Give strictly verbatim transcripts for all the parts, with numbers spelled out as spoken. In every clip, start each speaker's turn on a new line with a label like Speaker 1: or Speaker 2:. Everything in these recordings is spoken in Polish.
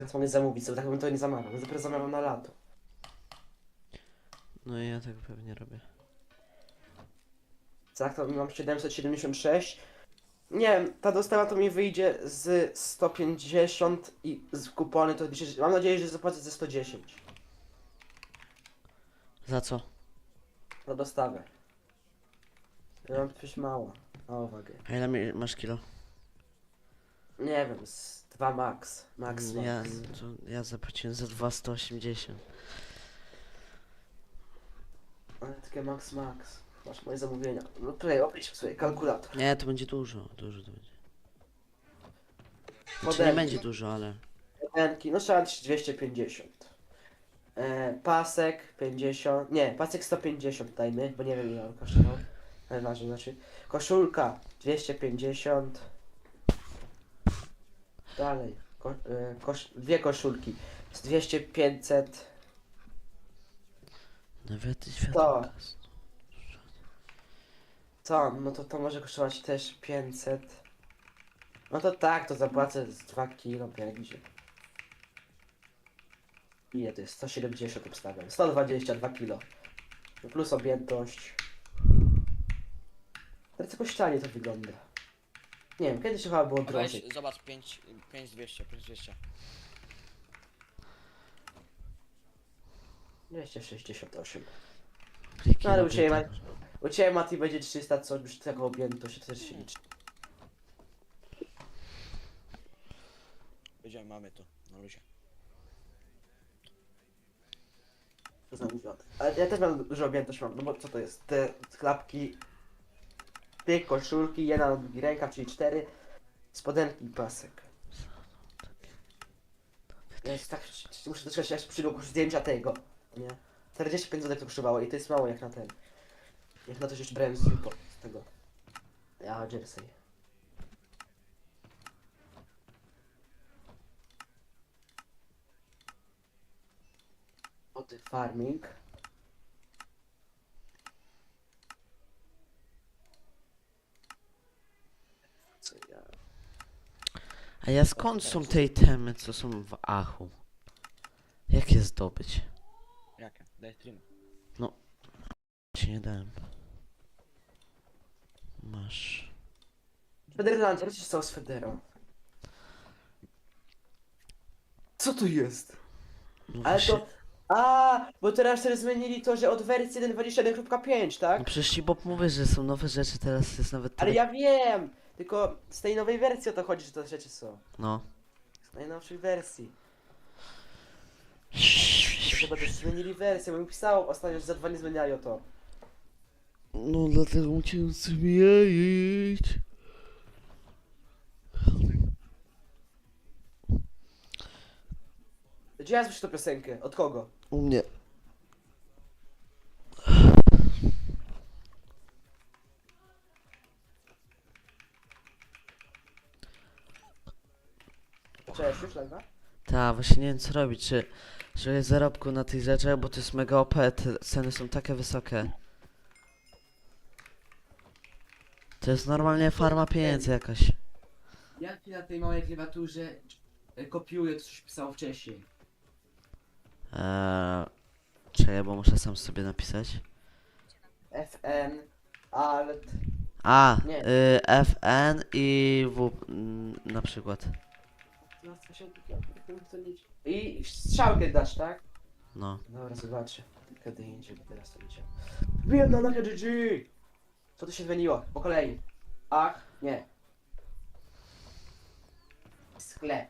Speaker 1: Co mogę zamówić, sobie tak bym to nie zamawiał. Dopiero zamawiam na lato.
Speaker 2: No i ja tak pewnie robię.
Speaker 1: Tak, to mam siedemset siedemdziesiąt sześć. Nie wiem, ta dostawa to mi wyjdzie z sto pięćdziesiąt i z kupony to mam nadzieję, że zapłacę ze sto dziesięć.
Speaker 2: Za co?
Speaker 1: Za dostawę. Ja mam coś mało. Na uwagę.
Speaker 2: A ile mi- masz kilo?
Speaker 1: Nie wiem, z dwa max. Max, max.
Speaker 2: Ja, to ja zapłaciłem za dwa sto osiemdziesiąt.
Speaker 1: Ale takie max, max. Masz moje zamówienia. No tutaj obliczmy sobie kalkulator.
Speaker 2: Nie, to będzie dużo, dużo to będzie. Znaczy nie
Speaker 1: Modelki.
Speaker 2: będzie dużo, ale...
Speaker 1: Modelki, no trzeba dwieście pięćdziesiąt. E, pasek pięćdziesiąt. Nie, pasek sto pięćdziesiąt dajmy, bo nie wiem ile on kosztował. Ale ważne, znaczy. Koszulka dwieście pięćdziesiąt. Dalej. Ko, e, kosz, dwie koszulki. Z dwieście pięćset.
Speaker 2: Nawet
Speaker 1: To.
Speaker 2: światło.
Speaker 1: Co? No to to może kosztować też pięćset. No to tak, to zapłacę z dwa kilo będzie. Ile to jest? sto siedemdziesiąt obstawiam. sto dwadzieścia dwa kilo. No plus objętość. Teraz jakoś tanie to wygląda. Nie wiem, kiedyś chyba było
Speaker 3: Weź,
Speaker 1: drożej.
Speaker 3: zobacz, pięć, pięć dwieście, pięć dwieście.
Speaker 1: dwieście sześćdziesiąt osiem.
Speaker 2: Pliki
Speaker 1: No ale u
Speaker 2: robię
Speaker 1: Ciebie,
Speaker 2: tak.
Speaker 1: ma, u Ciebie Mati będzie trzysta, co już tego objętość to też się liczy.
Speaker 3: Wiedziałem, mamy to, na luzie.
Speaker 1: To zamówione. Ale ja też mam dużo objętość mam, no bo co to jest? Te klapki, dwie koszulki, jedna na drugi rękaw, czyli cztery, spodenki i pasek. Ja jest tak, muszę doczekać aż przyjdą zdjęcia tego, nie? czterdzieści pięć złotych to kosztowało i to jest mało jak na ten. Jak na to, że jeszcze brałem z Jupo, z tego. Ja, Jersey. Oty farming. Co ja...
Speaker 2: A ja skąd są te itemy, co są w Achu? Jak je zdobyć?
Speaker 3: Jakie? Daj stream.
Speaker 2: Ci nie dałem. Masz.
Speaker 1: Federlandia, co się stało z Federą? Co to jest?
Speaker 2: No
Speaker 1: Ale
Speaker 2: właśnie,
Speaker 1: to... A, bo teraz też zmienili to, że od wersji jeden dwadzieścia jeden kropka pięć, tak?
Speaker 2: no przecież ci Bob mówi, że są nowe rzeczy, teraz jest nawet
Speaker 1: Ale
Speaker 2: tyle...
Speaker 1: ja wiem! Tylko z tej nowej wersji o to chodzi, że te rzeczy są.
Speaker 2: No.
Speaker 1: Z najnowszej wersji. Chyba też zmienili wersję, bo mi pisało ostatnio, że za dwa nie zmieniają to.
Speaker 2: No dlatego musiałem zmienić.
Speaker 1: Gdzie ja słyszę tę piosenkę? Od kogo?
Speaker 2: U mnie.
Speaker 1: Cześć, już live'a?
Speaker 2: Ta, właśnie nie wiem co robić, czy... Że jest zarobku na tych rzeczach, bo to jest mega O P, te ceny są takie wysokie. To jest normalnie farma pieniędzy jakaś.
Speaker 1: Jak ci na tej małej klawiaturze kopiuję to, coś pisało wcześniej?
Speaker 2: Eee, czekaj, bo muszę sam sobie napisać.
Speaker 1: F N, Alt...
Speaker 2: A,
Speaker 1: Nie.
Speaker 2: y, F N i W mm, na przykład.
Speaker 1: I strzałkę dasz, tak?
Speaker 2: No.
Speaker 1: Dobra, zobaczę. Kiedy indziej, bo teraz to idzie. Wiem na G G! Co tu się zmieniło? Po kolei. Ach, nie. Sklep.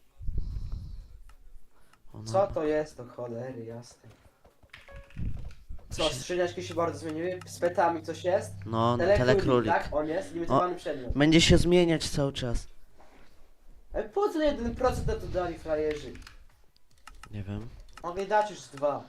Speaker 2: Ona...
Speaker 1: Co to jest? To cholery, jasne. Co, skrzyniaczki się bardzo zmieniły? Z petami coś jest?
Speaker 2: No,
Speaker 1: Telekrólik,
Speaker 2: telekrólik.
Speaker 1: tak? On jest limitowany przedmiot.
Speaker 2: Będzie się zmieniać cały czas.
Speaker 1: Ale po co jeden procent na to dali frajerzy?
Speaker 2: Nie wiem.
Speaker 1: Mogę dać już z dwa.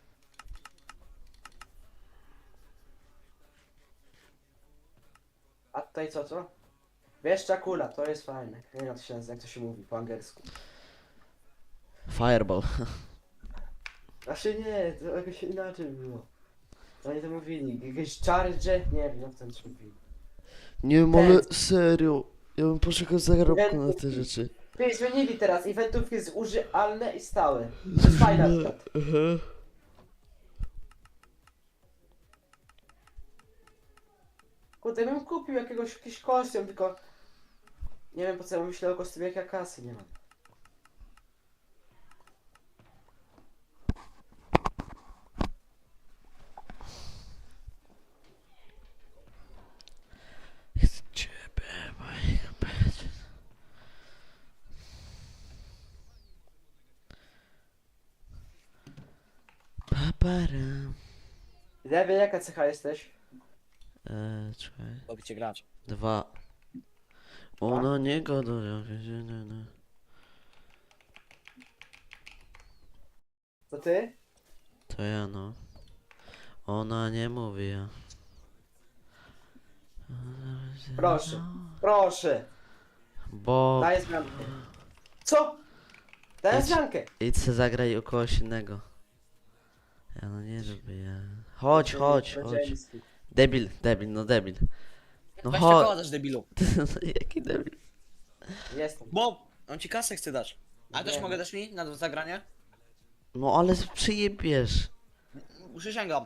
Speaker 1: A tutaj co, co? Wieszcza kula, to jest fajne. Nie wiem jak to się nazywa, jak to się mówi po angielsku.
Speaker 2: Fireball.
Speaker 1: Znaczy nie, to jakoś inaczej było. Oni to mówili, jakieś charge, nie wiem jak to mówili.
Speaker 2: Nie wiem, ale serio. Ja bym poszukał zarobku na te
Speaker 1: Ten-
Speaker 2: rzeczy.
Speaker 1: Ty, zmienili teraz, eventów jest użyalne i stałe. To jest fajne akurat. Kurde, bym kupił jakiegoś, jakiś kostium, tylko... Nie wiem po co ja myślę o kostiumie, jak ja kasy nie mam.
Speaker 2: Chcę ciebie, moich być. Paparam.
Speaker 1: Lewy, jaka cecha jesteś?
Speaker 2: Eee, czekaj.
Speaker 3: Lubicie grać.
Speaker 2: Dwa. Ona nie gada, jak się nie, nie.
Speaker 1: To ty?
Speaker 2: To ja no. Ona nie mówi ja.
Speaker 1: Proszę. Proszę.
Speaker 2: Bo
Speaker 1: Daję zmiankę. Co? Daję
Speaker 2: Idź.
Speaker 1: zmiankę.
Speaker 2: idź se zagraj u kogoś innego. Ja no nie lubię ja. Chodź, chodź, chodź.
Speaker 1: Powiedzieli.
Speaker 2: Debil, debil, no debil. No
Speaker 3: Weź koła
Speaker 2: chodź.
Speaker 3: dasz debilu.
Speaker 2: No jaki debil.
Speaker 1: Jestem.
Speaker 3: Bo on ci kasę chce dać. A też
Speaker 1: Wiem.
Speaker 3: mogę dać mi na zagranie?
Speaker 2: No ale przyjebiesz.
Speaker 3: Przysięgam.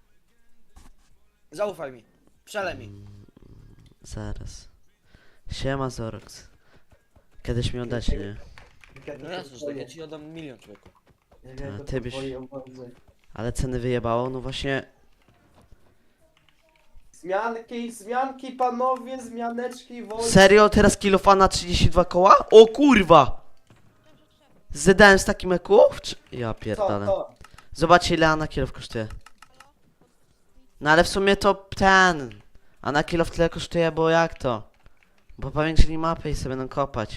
Speaker 3: Zaufaj mi. Przelej mi.
Speaker 2: Zaraz. Siema Zorox. Kiedyś mi oddacie, nie?
Speaker 3: No jasne, że tak, ja ci oddam milion, człowieku.
Speaker 1: Nie
Speaker 2: Ta,
Speaker 1: wiem,
Speaker 2: ty
Speaker 1: ty
Speaker 2: byś-
Speaker 1: byś...
Speaker 2: Ale ceny wyjebało, no właśnie.
Speaker 1: Zmianki, zmianki, panowie, zmianeczki, wolne.
Speaker 2: Serio? Teraz kilofana trzydzieści dwa koła? O kurwa! Zedałem z takim eków? Czy... Ja
Speaker 1: Co,
Speaker 2: pierdolę.
Speaker 1: to?
Speaker 2: Zobaczcie ile Ana kilof kosztuje. No ale w sumie to ten. Ana kilof tyle kosztuje, bo jak to? Bo powiększyli mapę i sobie będą kopać.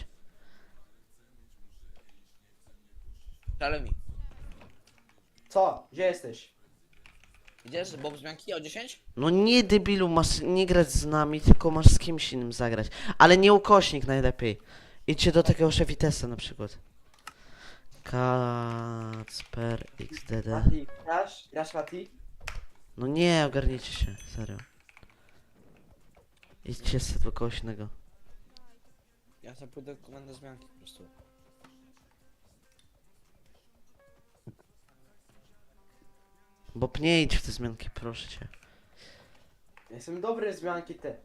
Speaker 3: Przelej mi.
Speaker 1: Co? Gdzie jesteś?
Speaker 3: Idziesz, Bob zmianki o dziesięć?
Speaker 2: No nie debilu, masz nie grać z nami, tylko masz z kimś innym zagrać. Ale nie ukośnik najlepiej. Idźcie do takiego szefitesa na przykład. Kacper X D D.
Speaker 1: Mati, grasz? Grasz, Mati?
Speaker 2: No nie, ogarnijcie się, serio. Idźcie sobie do kogoś innego.
Speaker 3: Ja sobie pójdę komendę zmianki po prostu.
Speaker 2: Bo nie idź w te zmianki, proszę cię.
Speaker 1: Jestem dobry w zmianki te.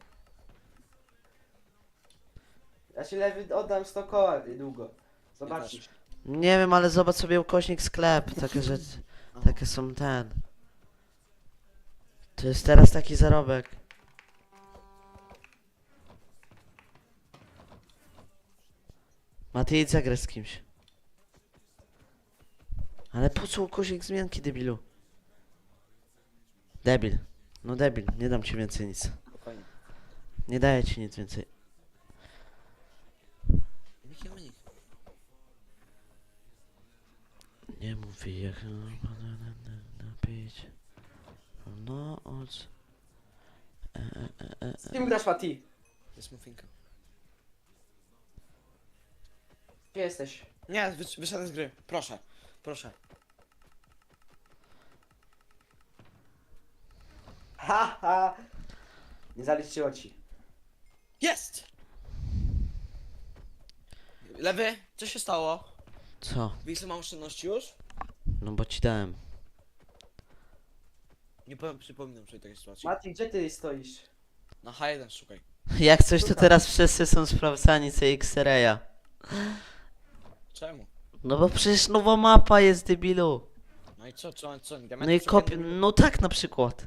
Speaker 1: Ja ci lewy oddam sto koła niedługo. Zobaczysz.
Speaker 2: Nie wiem, ale zobacz sobie ukośnik sklep, takie rzeczy, takie są ten. To jest teraz taki zarobek. Maty, idź zagrać z kimś. Ale po co ukośnik zmianki, debilu? Debil. No debil, nie dam ci więcej nic.
Speaker 3: Spokojnie.
Speaker 2: Nie daję ci nic więcej.
Speaker 3: Jaki unik?
Speaker 2: Nie mówi jak napić. No od... E, e, e, e.
Speaker 1: Z kim grasz, Mati?
Speaker 3: To jest muffinka.
Speaker 1: Gdzie jesteś?
Speaker 3: Nie, wy, wyszedłem z gry. Proszę. Proszę.
Speaker 1: Ha, ha. Nie zaliczyło ci.
Speaker 3: Jest! Lewy, co się stało?
Speaker 2: Co?
Speaker 3: Wiesz, mam oszczędności już?
Speaker 2: No bo ci dałem.
Speaker 3: Nie powiem, przypominam sobie takiej sytuacji.
Speaker 1: Mati, gdzie ty stoisz?
Speaker 3: Na H jeden szukaj.
Speaker 2: Jak coś to teraz wszyscy są sprawdzani C X Raya.
Speaker 3: Czemu?
Speaker 2: No bo przecież nowa mapa jest, debilu.
Speaker 3: No i co, co, co?
Speaker 2: No i kopi... No tak na przykład.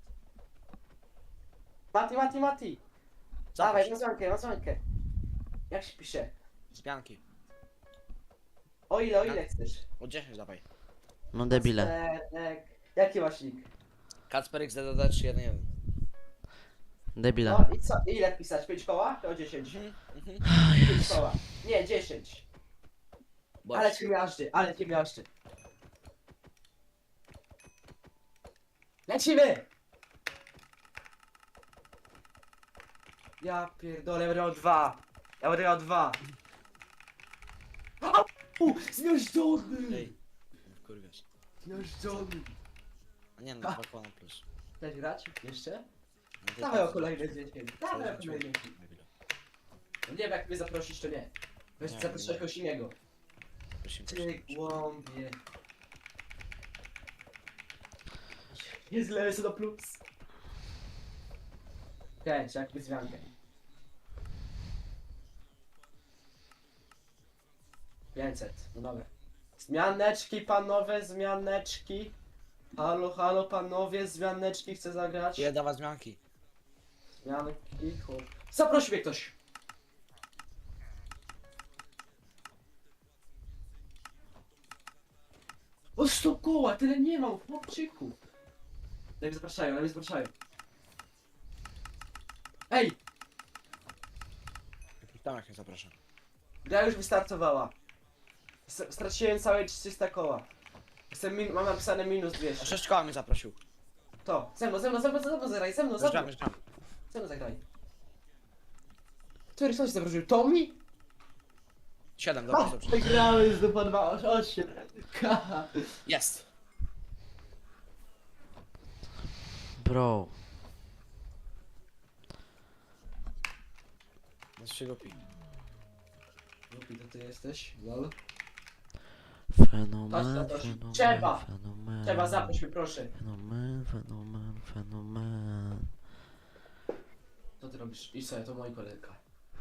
Speaker 1: Mati, Mati, Mati. Dawaj, na zmiankę, na zmiankę. Jak się pisze?
Speaker 3: Zmianki.
Speaker 1: O ile, o ile chcesz?
Speaker 3: O dziesięć dawaj.
Speaker 2: No debile.
Speaker 1: Kacperek. Jaki masz nick?
Speaker 3: Kacper X D D trzy jeden jeden.
Speaker 2: Debile.
Speaker 1: No i co? Ile pisać? pięć koła? To dziesięć.
Speaker 3: Mhm, mhm.
Speaker 1: pięć koła. Nie, dziesięć. Ale
Speaker 3: Bądź.
Speaker 1: cię miażdży, ale cię miażdży. Lecimy! Ja pierdolę, będę miał dwa. Ja będę miał dwa. U, zmiażdżony!
Speaker 3: Ej. Kurwiasz.
Speaker 1: Zmiażdżony.
Speaker 3: A nie, no dwa koła na plus.
Speaker 1: Chcesz grać? Jeszcze?
Speaker 3: No to
Speaker 1: Dawaj o
Speaker 3: tak,
Speaker 1: kolejne dziesięć. Dawaj o
Speaker 3: zobacz.
Speaker 1: kolejne dziesięć. Nie wiem, jak mnie zaprosisz, to nie. Weź
Speaker 3: Nie,
Speaker 1: zaproszę
Speaker 3: nie
Speaker 1: kogoś innego.
Speaker 3: Prosimy,
Speaker 1: Ty
Speaker 3: prosimy.
Speaker 1: głąbie. Jest lepszy do plus. Okej, trzeba jakby zmiankę. pięćset, no dobra. Zmianeczki panowie, zmianeczki. Halo, halo panowie, zmianeczki chcę zagrać.
Speaker 3: Ile dawać zmianki?
Speaker 1: Zmianki, kur... Zaprosi mnie ktoś. O, sto koła, tyle nie mam, chłopczyku. Na mnie zapraszają, na mnie zapraszają. Ej,
Speaker 3: Tam jak mnie zapraszam.
Speaker 1: gra już wystartowała. S- Straciłem całe trzysta koła. Jestem min mam napisane minus
Speaker 3: O
Speaker 1: dwieście.
Speaker 3: sześć koła mnie zaprosił.
Speaker 1: To, ze mną, ze mną, ze mną, ze mną zagraj, ze mną, ze mną.
Speaker 3: Zjeżdżamy, zjeżdżamy.
Speaker 1: Ze mną zagraj. Który ktoś zaprosił? Tommy?
Speaker 3: Siedem, dobrze,
Speaker 1: Ha,
Speaker 3: dobrze.
Speaker 1: wygrałem z dupa dwa osiem. Kaha.
Speaker 3: Jest!
Speaker 2: Bro.
Speaker 3: Jest się głupi.
Speaker 1: Głupi to ty jesteś, lol.
Speaker 2: Fenomen,
Speaker 1: Chodź, zaproś.
Speaker 2: fenomen,
Speaker 1: Trzeba.
Speaker 2: fenomen.
Speaker 1: Trzeba, zaproś mnie, proszę.
Speaker 2: Fenomen, fenomen, fenomen.
Speaker 1: Co ty robisz? I sobie, to mój kolega.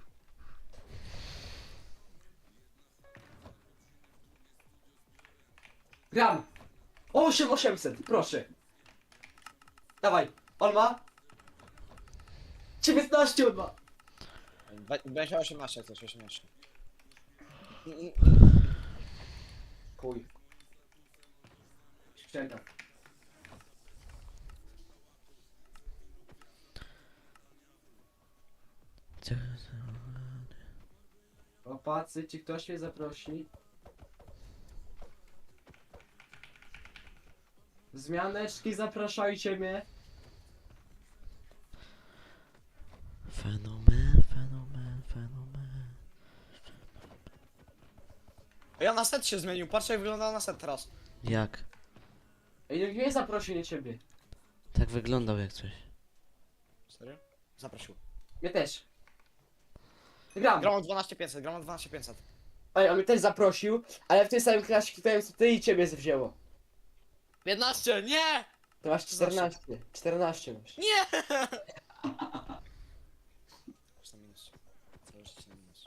Speaker 1: Gram! osiem osiemset, proszę. Dawaj, on ma? dziewiętnaście on ma.
Speaker 3: Będzie osiemnaście jak coś, osiemnaście.
Speaker 1: Chuj. Ścięga. Opacy, czy ktoś mnie zaprosi? Zmianeczki, zapraszajcie mnie.
Speaker 2: Fenomen, fenomen, fenomen.
Speaker 3: Ja na set się zmienił, patrz jak wygląda na set teraz.
Speaker 2: Jak?
Speaker 1: Ej, nikt mnie zaprosi, nie ciebie.
Speaker 2: Tak wyglądał jak coś.
Speaker 3: Serio? Zaprosił.
Speaker 1: Mnie też. Gram.
Speaker 3: Gram o dwanaście pięćset, gram o dwanaście pięćset.
Speaker 1: Ej, on mnie też zaprosił, ale w tej samym klasie klikałem co ty i ciebie wzięło.
Speaker 3: piętnaście, nie!
Speaker 1: To masz czternaście. czternaście masz.
Speaker 3: Nie! Masz na minus. Całe życie na minus.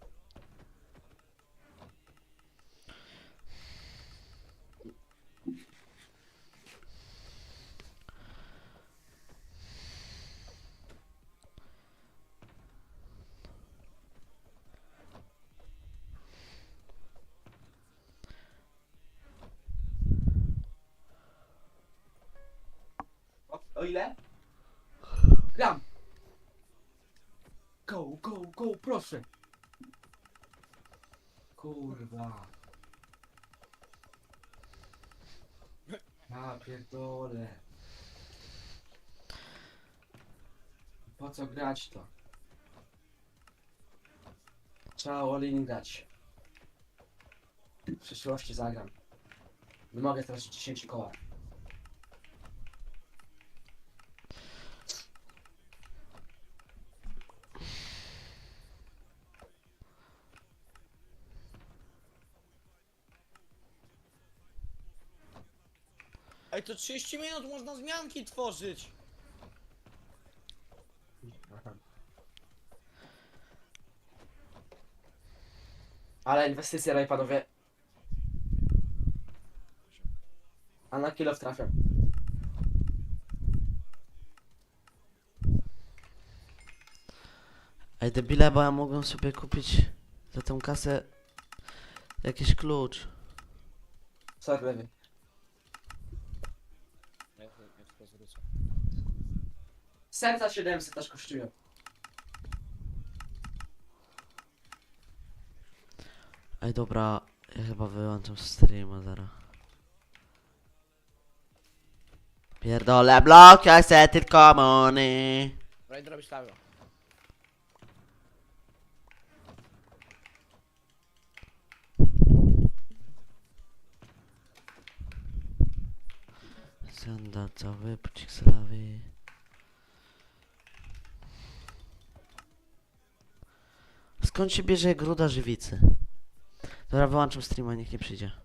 Speaker 1: O, o ile? Gram. Go, go, go, proszę. Kurwa. Ja pierdolę. Po co grać to? Trzeba all-in grać. W przyszłości zagram. Nie mogę teraz dziesięć koła.
Speaker 3: Ej, to trzydzieści minut można zmianki tworzyć.
Speaker 1: Ale inwestycja, daj panowie. A na kilo trafiam.
Speaker 2: Ej debile, bo ja mogłem sobie kupić za tą kasę jakiś klucz.
Speaker 1: Sorry, lewy.
Speaker 3: Ja, ja tylko zwrócę.
Speaker 1: Serca siedemset aż kosztują.
Speaker 2: Ej dobra, ja chyba wyłączam streama zaraz. Pierdolę blok, ja chcę tylko money.
Speaker 3: Dobra, idę robić live'a.
Speaker 2: Sandal cały, pocik slawy. Skąd się bierze gruda żywicy? Dobra, wyłączam streama, niech nie przyjdzie.